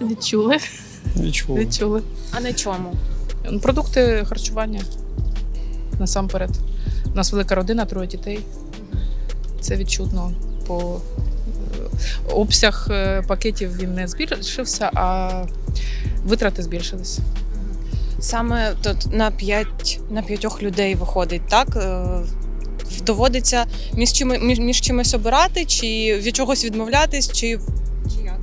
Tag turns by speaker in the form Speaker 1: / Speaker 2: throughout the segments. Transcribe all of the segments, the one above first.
Speaker 1: Відчули.
Speaker 2: Відчув.
Speaker 1: Відчули.
Speaker 3: А на чому?
Speaker 1: Продукти харчування насамперед. У нас велика родина, 3 дітей. Це відчутно. По обсяг пакетів він не збільшився, а витрати збільшились.
Speaker 3: Саме тут на 5 людей виходить, так? Доводиться між чимось обирати, чи від чогось відмовлятись, чи як?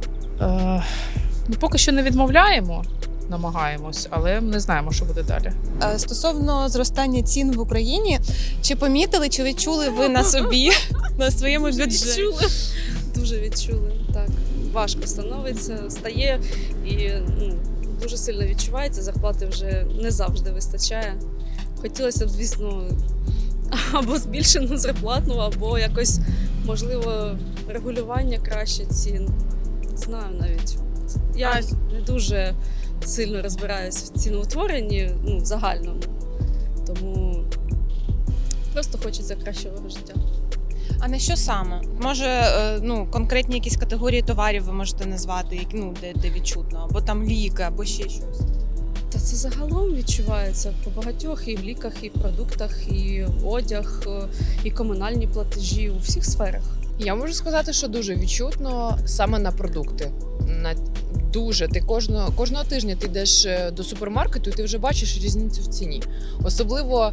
Speaker 1: Поки що не відмовляємо, намагаємось, але не знаємо, що буде далі.
Speaker 3: Стосовно зростання цін в Україні, чи помітили, чи відчули ви на собі, на своєму бюджеті?
Speaker 4: Відчули. Дуже відчули. Так, важко стає і дуже сильно відчувається. Зарплати вже не завжди вистачає. Хотілося б, звісно, або збільшену зарплатну, або якось, можливо, регулювання краще цін. Не знаю навіть. Я не дуже сильно розбираюсь в ціноутворенні, в загальному. Тому просто хочеться кращого життя.
Speaker 3: А на що саме? Може, конкретні якісь категорії товарів ви можете назвати, де відчутно, або там ліки, або ще щось?
Speaker 4: Та це загалом відчувається по багатьох і в ліках, і в продуктах, і одяг, і комунальні платежі у всіх сферах.
Speaker 5: Я можу сказати, що дуже відчутно саме на продукти. Ти кожного тижня ти йдеш до супермаркету і ти вже бачиш різницю в ціні. Особливо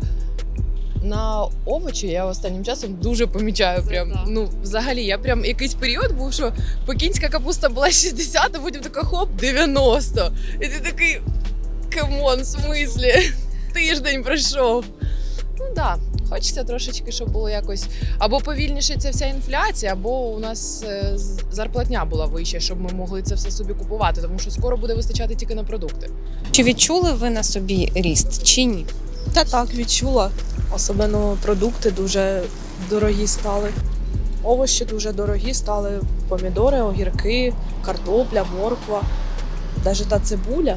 Speaker 5: на овочі я останнім часом дуже помічаю. Взагалі, я якийсь період був, що пекінська капуста була 60, а потім така хоп, 90. І ти такий, камон, в смислі? Тиждень пройшов. Так. Хочеться трошечки, щоб було якось або повільніше ця вся інфляція, або у нас зарплатня була вища, щоб ми могли це все собі купувати, тому що скоро буде вистачати тільки на продукти.
Speaker 3: Чи відчули ви на собі ріст, чи ні?
Speaker 6: Так, відчула. Особливо продукти дуже дорогі стали. Овочі дуже дорогі стали. Помідори, огірки, картопля, морква, навіть та цибуля.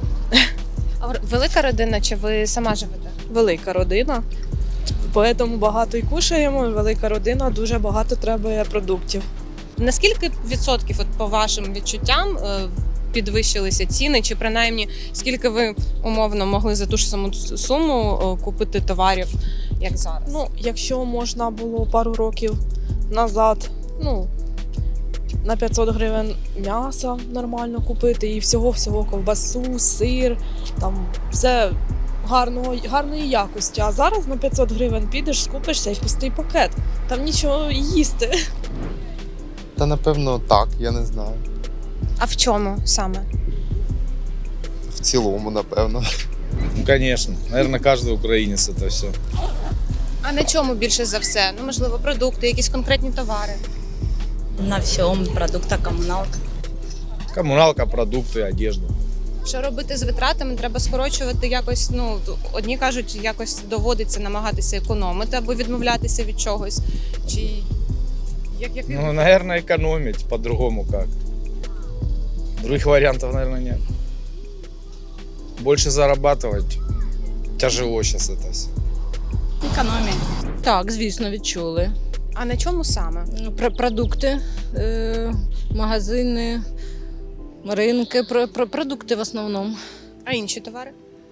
Speaker 3: А велика родина, чи ви сама живете?
Speaker 6: Велика родина. Тому багато й кушаємо, велика родина, дуже багато треба продуктів.
Speaker 3: Наскільки відсотків, по вашим відчуттям, підвищилися ціни, чи принаймні скільки ви умовно могли за ту ж саму суму купити товарів, як зараз?
Speaker 6: Якщо можна було пару років назад, на 500 гривень м'яса нормально купити і всього ковбасу, сир, там все гарної якості. А зараз на 500 гривень підеш, скупишся і пустий пакет. Там нічого їсти.
Speaker 7: Та напевно так, я не знаю.
Speaker 3: А в чому саме?
Speaker 7: В цілому, напевно.
Speaker 2: Конечно. Наверное, каждый украинец это все.
Speaker 3: А на чому більше за все? Можливо, продукти, якісь конкретні товари?
Speaker 8: На всьому, продукта, комуналка.
Speaker 2: Коммуналка, продукты, одежда.
Speaker 3: Що робити з витратами? Треба скорочувати якось, одні кажуть, якось доводиться намагатися економити або відмовлятися від чогось. Чи як
Speaker 2: Наверное, экономить, по-другому как. Других вариантов, наверное, нет. Больше зарабатывать тяжело сейчас это все.
Speaker 8: Економія.
Speaker 9: Так, звісно, відчули.
Speaker 3: А на чому саме?
Speaker 9: Продукти, магазини, ринки, продукти в основному.
Speaker 3: А інші товари?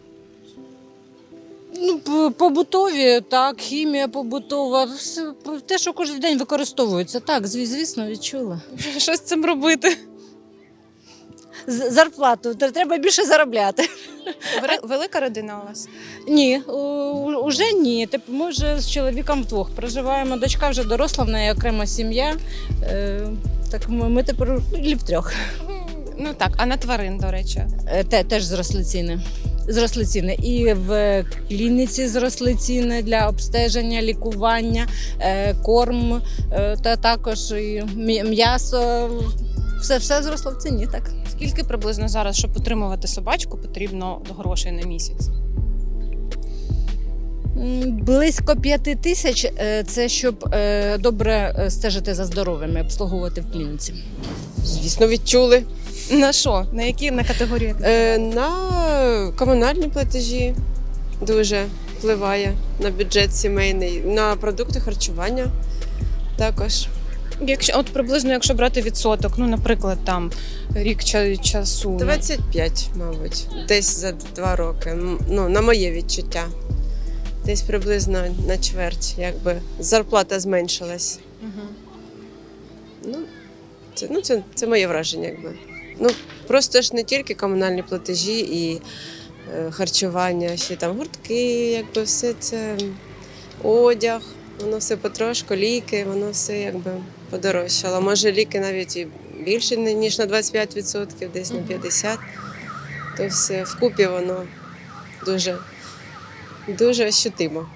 Speaker 9: Побутові, так, хімія побутова, те, що кожен день використовується. Так, звісно, відчула.
Speaker 3: Що з цим робити?
Speaker 9: Зарплату, треба більше заробляти.
Speaker 3: Велика родина у вас?
Speaker 9: Ні, уже ні. Ми вже з чоловіком вдвох проживаємо. Дочка вже доросла, в неї окрема сім'я. Так ми тепер втрьох.
Speaker 3: Так, а на тварин, до речі?
Speaker 9: Теж зросли ціни. Зросли ціни. І в клініці зросли ціни для обстеження, лікування, корм, та також і м'ясо. Все зросло в ціні, так.
Speaker 3: Скільки приблизно зараз, щоб утримувати собачку, потрібно грошей на місяць?
Speaker 9: Близько 5 тисяч – це щоб добре стежити за здоров'ям і обслуговувати в клініці.
Speaker 10: Звісно, відчули.
Speaker 3: На що? На категорії?
Speaker 10: На комунальні платежі дуже впливає на бюджет сімейний, на продукти харчування також.
Speaker 3: От приблизно, якщо брати відсоток, ну, наприклад, там рік часу.
Speaker 10: 25, мабуть, десь за 2 роки. Ну, на моє відчуття. Десь приблизно на чверть, якби зарплата зменшилась. Це моє враження, якби. Ну, просто ж не тільки комунальні платежі і харчування, ще там гуртки, якби все це одяг, воно все потрошку, ліки, воно все якби подорожчало. Може, ліки навіть і більше, ніж на 25%, десь на 50%. То все вкупі воно дуже ощутимо.